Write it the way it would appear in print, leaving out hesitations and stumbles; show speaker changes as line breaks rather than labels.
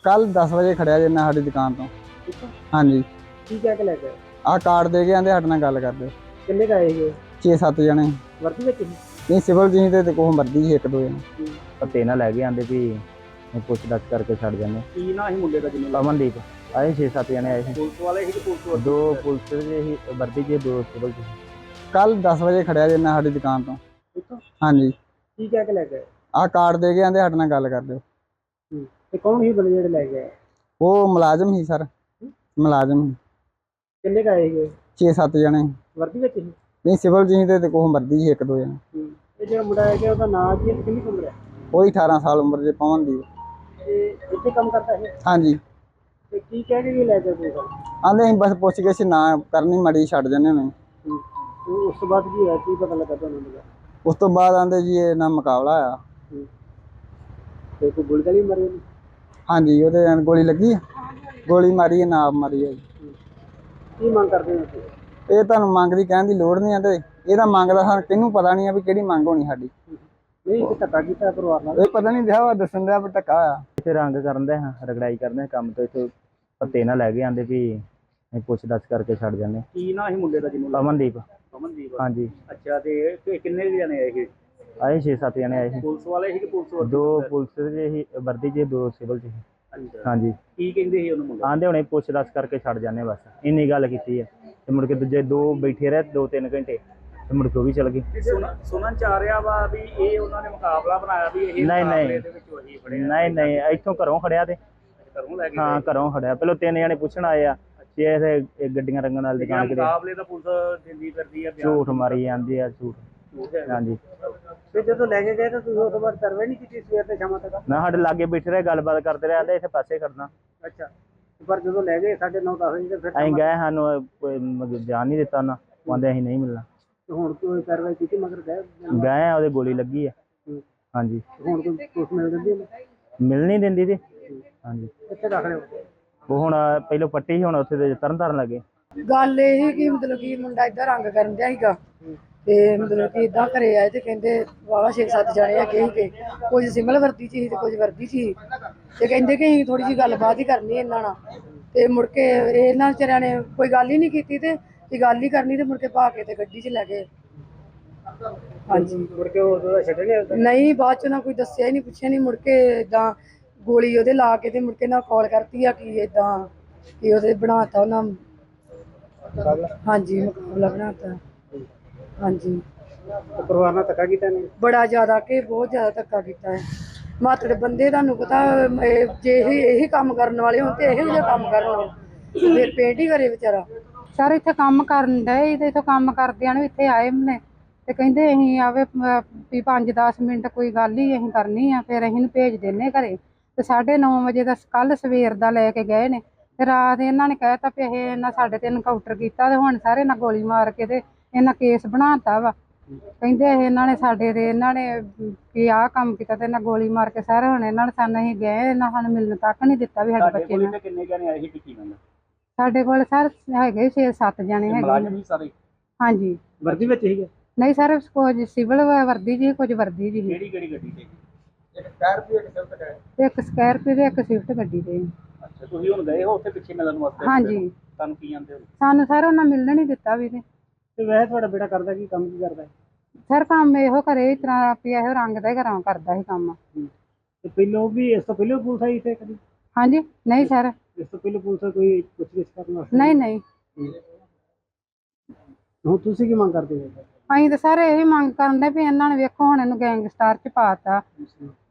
ਕੱਲ 10 ਵਜੇ ਖੜਿਆ ਜੇ ਮੈਂ ਸਾਡੀ ਦੁਕਾਨ ਤੋਂ। ਹਾਂਜੀ।
ਕੀ ਕਹਿ ਕੇ ਲੈ ਗਏ?
ਆਹ ਕਾਰਡ ਦੇ ਕੇ ਆਂਦੇ ਸਾਡੇ ਨਾਲ ਗੱਲ ਕਰਦੇ।
ਕਿੰਨੇ ਕੁ ਆਏ ਸੀਗੇ?
6-7 ਜਣੇ।
ਵਰਦੀ ਵਿੱਚ ਸੀ?
ਨਹੀਂ, ਸਿਵਲ ਜੀ ਤੇ ਕੋਹ ਮਰਦੀ ਸੀ 1-2 ਜਣੇ।
ਪਤੇ ਨਾ ਲੈ ਕੇ ਆਂਦੇ ਵੀ ਪੁੱਛ ਦੱਸ ਕਰਕੇ ਛੱਡ ਜਾਂਦੇ।
ਕੀ ਨਾ ਸੀ ਮੁੰਡੇ ਦਾ ਜਿਹਨੂੰ
ਅਮਨਦੀਪ ਆਏ 6-7 ਜਣੇ ਆਏ ਸੀ।
ਪੁਲਿਸ ਵਾਲੇ ਸੀ ਕਿ ਪੁਲਿਸ ਵਾਲੇ?
2 ਪੁਲਿਸ ਦੇ ਹੀ ਵਰਦੀ ਜੇ 2 ਸਿਵਲ ਚ।
ਕੱਲ 10 ਵਜੇ ਖੜਿਆ ਜੇ ਮੈਂ ਸਾਡੀ ਦੁਕਾਨ ਤੋਂ। ਹਾਂਜੀ।
ਕੀ ਕਹਿ ਕੇ ਲੈ ਗਏ?
ਆਹ ਕਾਰਡ ਦੇ ਕੇ ਆਂਦੇ ਸਾਡੇ ਨਾਲ ਗੱਲ ਕਰਦੇ।
ਤੇ ਕੌਣ ਸੀ ਬੰਦੇ ਜਿਹੜੇ ਲੈ ਗਏ?
ਉਹ ਮੁਲਾਜ਼ਮ ਸੀ ਸਰ, ਮੁਲਾਜ਼ਮ।
ਕਿੰਨੇ ਕੁ ਆਏ ਸੀਗੇ?
6-7 ਜਣੇ।
ਵਰਦੀ ਵਿੱਚ ਸੀ?
ਨਹੀਂ, ਸਿਵਲ ਜੀ ਤੇ ਕੋਹ ਮਰਦੀ ਸੀ 1-2 ਜਣੇ।
ਇਹ ਜਿਹੜਾ ਮੁੰਡਾ ਹੈ ਕਿ ਉਹਦਾ ਨਾਂ ਕੀ ਹੈ ਤੇ ਕਿੰਨੀ ਕੁ ਉਮਰ ਹੈ?
ਉਹੀ 18 ਸਾਲ ਉਮਰ ਜੇ ਪਵਨਦੀਪ।
ਤੇ ਇੱਥੇ ਕੰਮ ਕਰਦਾ ਹੈ?
ਹਾਂਜੀ।
ਤੇ ਕੀ ਕਹਿ ਕੇ ਲੈ ਗਏ ਪੁਲਿਸ?
ਆਂਦੇ ਅਸੀਂ ਬਸ ਪੁੱਛ ਗਏ ਸੀ, ਨਾ ਕਰਨੀ ਮਾੜੀ ਛੱਡ ਜਾਂਦੇ ਨੇ।
ਉਸ ਤੋਂ ਬਾਅਦ ਕੀ ਹੋਇਆ? ਕੀ ਪਤਾ ਲੱਗਾ ਤੁਹਾਨੂੰ?
ਉਸ ਤੋਂ ਬਾਅਦ ਆਂਦੇ ਜੀ ਇਹ ਨਾਲ ਮੁਕਾਬਲਾ ਆ।
ਤੇ ਕੋਈ ਗੋਲੀ ਗਾਲੀ ਮਾਰੀ ਉਹਨੂੰ?
ਹਾਂਜੀ, ਉਹਦੇ ਗੋਲੀ ਲੱਗੀ ਆ। ਗੋਲੀ ਮਾਰੀ ਹੈ, ਨਾਪ ਮਾਰੀ ਹੈ।
ਕੀ ਮੰਗ ਕਰਦੇ ਹੋ ਤੁਸੀਂ?
ਇਹ ਤੁਹਾਨੂੰ ਮੰਗ ਦੀ ਕਹਿਣ ਦੀ ਲੋੜ ਨਹੀਂ ਆ, ਤੇ ਇਹਦਾ ਮੰਗਦਾ ਸਾਨੂੰ ਕਿਹਨੂੰ ਪਤਾ ਨਹੀਂ ਆ ਵੀ ਕਿਹੜੀ ਮੰਗ ਹੋਣੀ ਸਾਡੀ।
ਨਹੀਂ, ਇੱਕ ਧੱਕਾ ਕੀਤਾ ਪਰਿਵਾਰ ਨਾਲ?
ਇਹ ਪਤਾ ਨਹੀਂ ਦਿਆ ਵਾ ਦੱਸਣ ਦਿਆ ਵੀ ਧੱਕਾ ਆ।
ਇੱਥੇ ਰੰਗ ਕਰਨ ਦੇ ਹਾਂ, ਰਗੜਾਈ ਕਰਦੇ ਕੰਮ ਤੋਂ। ਇੱਥੇ ਪਤੇ ਨਾ ਲੈ ਕੇ ਆਂਦੇ ਵੀ ਪੁੱਛ ਦੱਸ ਕਰਕੇ ਛੱਡ ਜਾਂਦੇ।
ਕੀ ਨਾ ਸੀ ਮੁੰਡੇ ਦਾ ਜਿਹਨੂੰ?
ਅਮਨਦੀਪ।
ਅਮਨਦੀਪ?
ਹਾਂਜੀ।
ਅੱਛਾ, ਤੇ ਕਿੰਨੇ ਜਣੇ ਆਏ ਸੀ?
ਆਏ 6-7 ਜਣੇ ਆਏ ਸੀ।
ਪੁਲਿਸ ਵਾਲੇ ਸੀ ਕਿ ਪੁਲਿਸ ਵਾਲੇ?
2 ਪੁਲਿਸ ਦੇ ਹੀ ਵਰਦੀ ਜੇ 2 ਸਿਵਲ ਚ। ਹਾਂਜੀ।
ਕੀ ਕਹਿੰਦੇ ਸੀ ਉਹਨੂੰ ਮੁੰਡਾ?
ਆਂਦੇ ਹੁਣੇ ਪੁੱਛ ਦੱਸ ਕਰਕੇ ਛੱਡ ਜਾਂਦੇ, ਬਸ ਇੰਨੀ ਗੱਲ ਕੀਤੀ ਹੈ। ਤੇ ਮੁੜ ਕੇ ਦੂਜੇ 2 ਬੈਠੇ ਰਹੇ 2-3 ਘੰਟੇ, ਤੇ ਮੁੜ ਕੇ ਉਹ ਵੀ ਚਲ ਗਏ।
ਸੁਣਨ ਚ ਆ ਰਿਹਾ ਵਾ ਵੀ ਇਹ ਉਹਨਾਂ ਨੇ ਮੁਕਾਬਲਾ ਬਣਾਇਆ ਵੀ ਇਹ ਮੁਕਾਬਲੇ ਦੇ ਵਿੱਚ ਉਹੀ ਫੜਿਆ?
ਨਹੀਂ, ਇੱਥੋਂ ਘਰੋਂ ਖੜਿਆ ਤੇ
ਘਰੋਂ ਲੈ ਕੇ?
ਹਾਂ, ਘਰੋਂ ਖੜਿਆ। ਪਹਿਲਾਂ 3 ਜਣੇ ਪੁੱਛਣ ਆਏ ਆ ਕਿ ਇਹ ਗੱਡੀਆਂ ਰੰਗਣ ਵਾਲੀ ਦੁਕਾਨ ਕਿਤੇ।
ਮੁਕਾਬਲੇ ਦਾ ਪੁਲਿਸ ਦਿੰਦੀ ਫਿਰਦੀ ਆ,
ਝੂਠ ਮਾਰੀ ਜਾਂਦੀ ਆ, ਝੂਠ। ਹਾਂਜੀ।
ਤੇ ਜਦੋਂ ਲੈ ਕੇ ਗਏ ਤਾਂ ਤੁਸੀਂ ਉਸ ਤੋਂ ਬਾਅਦ ਕਾਰਵਾਈ ਨਹੀਂ ਕੀਤੀ ਸਵੇਰ ਤੇ ਸ਼ਾਮ ਤੱਕ?
ਮੈਂ ਸਾਡੇ ਲਾਗੇ ਬੈਠੇ ਰਹੇ, ਗੱਲਬਾਤ ਕਰਦੇ ਰਹੇ, ਆਂਦੇ ਇੱਥੇ ਪਾਸੇ ਖੜਨਾ।
ਅੱਛਾ, ਪਰ ਜਦੋਂ ਲੈ ਗਏ 9:30-10 ਵਜੇ ਤੇ ਫਿਰ
ਅਸੀਂ ਗਏ, ਸਾਨੂੰ ਕੋਈ ਜਾਣ ਨਹੀਂ ਦਿੱਤਾ ਉਹਨਾਂ। ਕਹਿੰਦੇ ਅਸੀਂ ਨਹੀਂ ਮਿਲਣਾ।
ਹੁਣ ਕੋਈ ਕਾਰਵਾਈ ਕੀਤੀ ਮਗਰ
ਗਏ ਆ, ਉਹਦੇ ਗੋਲੀ ਲੱਗੀ ਆ। ਹਾਂਜੀ।
ਹੁਣ ਕੋਈ ਪੁਲਿਸ ਮਿਲ ਜਾਂਦੀ ਹੈ?
ਮਿਲ ਨਹੀਂ ਦਿੰਦੀ ਜੀ। ਹਾਂਜੀ।
ਕਿੱਥੇ ਰੱਖ ਰਹੇ ਹੋ?
ਉਹ ਹੁਣ ਪਹਿਲਾਂ ਪੱਟੀ ਸੀ, ਹੁਣ ਉੱਥੇ ਦੇ ਤਰਨ ਲੱਗੇ।
ਗੱਲ ਇਹ ਕਿ ਮਤਲਬ ਕਿ ਮੁੰਡਾ ਏਦਾਂ ਰੰਗ ਕਰਨ ਦਿਆ ਸੀਗਾ, ਤੇ ਮਤਲਬ ਕਿ ਏਦਾਂ ਘਰੇ ਆਏ ਤੇ ਕਹਿੰਦੇ ਵਾਵਾ 6-7 ਜਾਣੇ ਹੈਗੇ ਸੀਗੇ, ਕੁਝ ਸਿਮਲ ਵਰਦੀ ਚ ਸੀ ਤੇ ਕੁਝ ਵਰਦੀ ਚ ਸੀ, ਤੇ ਕਹਿੰਦੇ ਕਿ ਅਸੀਂ ਥੋੜੀ ਜਿਹੀ ਗੱਲਬਾਤ ਹੀ ਕਰਨੀ ਇਹਨਾਂ ਨਾਲ। ਤੇ ਮੁੜ ਕੇ ਇਹਨਾਂ ਵਿਚਾਰਿਆਂ ਨੇ ਕੋਈ ਗੱਲ ਹੀ ਨਹੀਂ ਕੀਤੀ, ਤੇ ਗੱਲ ਹੀ ਕਰਨੀ ਤੇ ਮੁੜ ਕੇ ਪਾ ਕੇ ਤੇ ਗੱਡੀ 'ਚ ਲੈ ਗਏ। ਹਾਂਜੀ।
ਮੁੜ ਕੇ ਉਹ ਛੱਡਣੇ?
ਨਹੀਂ, ਬਾਅਦ ਚ ਨਾ ਕੋਈ ਦੱਸਿਆ ਹੀ ਨਹੀਂ, ਪੁੱਛਿਆ ਨਹੀਂ। ਮੁੜ ਕੇ ਏਦਾਂ ਗੋਲੀ ਉਹਦੇ ਲਾ ਕੇ ਤੇ ਮੁੜ ਕੇ ਨਾ ਕਾਲ ਕਰਤੀ ਆ ਕਿ ਏਦਾਂ ਕਿ ਉਹਦੇ ਬਣਾਤਾ ਉਹਨਾਂ। ਹਾਂਜੀ, ਮੁਕਾਬਲਾ ਬਣਾਤਾ। ਹਾਂਜੀ।
ਪਰਿਵਾਰ ਨਾਲ ਧੱਕਾ ਕੀਤਾ ਨੇ?
ਬੜਾ ਜ਼ਿਆਦਾ, ਕਿ ਬਹੁਤ ਜ਼ਿਆਦਾ ਧੱਕਾ ਕੀਤਾ ਹੈ। ਮਾਤੜ ਬੰਦੇ, ਤੁਹਾਨੂੰ ਪਤਾ ਜੇ ਇਹੀ ਕੰਮ ਕਰਨ ਵਾਲੇ ਹੋਣ ਤੇ ਇਹੋ ਜਿਹਾ ਕੰਮ ਕਰਨ, ਫਿਰ ਪੇਂਟ ਹੀ ਕਰੇ ਵਿਚਾਰਾ।
ਸਰ ਇੱਥੇ ਕੰਮ ਕਰਨ ਡਏ ਤੇ ਇੱਥੇ ਕੰਮ ਕਰਦਿਆਂ ਨੂੰ ਇੱਥੇ ਆਏ ਨੇ ਤੇ ਕਹਿੰਦੇ ਅਸੀਂ ਆਵੇ ਵੀ 5-10 ਮਿੰਟ ਕੋਈ ਗੱਲ ਹੀ ਅਸੀਂ ਕਰਨੀ ਆ, ਫਿਰ ਅਸੀਂ ਨੂੰ ਭੇਜ ਦਿੰਨੇ ਘਰੇ। ਤੇ 9:30 ਵਜੇ ਦਾ ਕੱਲ ਸਵੇਰ ਦਾ ਲੈ ਕੇ ਗਏ ਨੇ, ਤੇ ਰਾਤ ਇਹਨਾਂ ਨੇ ਕਹਿਤਾ ਵੀ ਇਹ ਇਹਨਾਂ ਸਾਡੇ ਤੇ ਐਨਕਾਊਂਟਰ ਕੀਤਾ, ਤੇ ਹੁਣ ਸਾਰੇ ਨਾਲ ਗੋਲੀ ਮਾਰ ਕੇ ਤੇ ਇਹਨਾਂ ਕੇਸ ਬਣਾਤਾ ਵਾ। ਕਹਿੰਦੇ ਇਹਨਾਂ ਨੇ ਸਾਡੇ ਤੇ ਇਹਨਾਂ ਨੇ ਵੀ ਆਹ ਕੰਮ ਕੀਤਾ ਤੇ ਇਹਨਾਂ ਗੋਲੀ ਮਾਰ ਕੇ ਸਾਰੇ। ਹੁਣ ਇਹਨਾਂ ਨੇ ਸਾਨੂੰ, ਅਸੀਂ ਗਏ, ਇਹਨਾਂ ਸਾਨੂੰ ਮਿਲਣ ਤੱਕ ਨਹੀਂ ਦਿੱਤਾ ਵੀ ਸਾਡੇ ਬੱਚੇ ਨੇ।
ਕਿੰਨੇ ਜਣੇ ਆਏ ਸੀ ਟਿੱਕੀ ਨਾਲ?
ਸਾਡੇ ਕੋਲ ਸਰ ਹੈਗੇ 6-7 ਜਣੇ ਹੈਗੇ।
ਸਾਰੇ?
ਹਾਂਜੀ।
ਵਰਦੀ ਵਿੱਚ ਸੀਗੇ?
ਨਹੀਂ ਸਰ, ਕੁਝ ਸਿਵਲ ਵਰਦੀ ਜੀ, ਕੁਝ ਵਰਦੀ ਜੀ।
ਕਿਹੜੀ ਗੱਡੀ ਤੇ?
ਇੱਕ ਸਕਾਰਪੀਓ, ਇੱਕ ਸਵਿਫਟ ਹੈ।
ਇੱਕ ਸਕਾਰਪੀਓ ਤੇ ਇੱਕ ਸਵਿਫਟ ਗੱਡੀ ਤੇ।
ਅੱਛਾ, ਤੁਸੀਂ ਹੁਣ ਗਏ ਹੋ ਉੱਥੇ ਪਿੱਛੇ ਮਿਲਣ ਵਾਸਤੇ?
ਹਾਂਜੀ।
ਤੁਹਾਨੂੰ ਕੀ ਆਂਦੇ ਹੋ?
ਸਾਨੂੰ ਸਰ ਉਹਨਾਂ ਮਿਲਣ ਨਹੀਂ ਦਿੱਤਾ ਵੀ।
ਤੇ ਵੈਸੇ ਤੁਹਾਡਾ ਬੇਟਾ ਕਰਦਾ ਕੀ, ਕੰਮ ਕੀ ਕਰਦਾ?
ਸਰ ਕੰਮ ਇਹੋ ਘਰੇ ਇਸ ਤਰ੍ਹਾਂ ਵੀ ਇਹੋ ਰੰਗ ਦਾ ਘਰਾਂ ਕਰਦਾ ਸੀ ਕੰਮ।
ਤੇ ਪਹਿਲਾਂ ਵੀ ਇਸ ਤੋਂ ਪਹਿਲਾਂ ਪੁਲਿਸ ਆਈ ਇੱਥੇ ਕਦੀ?
ਹਾਂਜੀ। ਨਹੀਂ ਸਰ,
ਇਸ ਤੋਂ ਪਹਿਲਾਂ ਪੁਲਿਸ ਕੋਈ ਪੁੱਛਗਿੱਛ ਕਰਨ ਵਾਸਤੇ?
ਨਹੀਂ।
ਹੁਣ ਤੁਸੀਂ ਕੀ ਮੰਗ ਕਰਦੇ ਹੋ?
ਅਸੀਂ ਤਾਂ ਸਰ ਇਹੀ ਮੰਗ ਕਰਨ ਦੇ ਵੀ ਇਹਨਾਂ ਨੇ ਵੇਖੋ ਹੁਣ ਇਹਨੂੰ ਗੈਂਗਸਟਰ ਚ ਪਾਤਾ,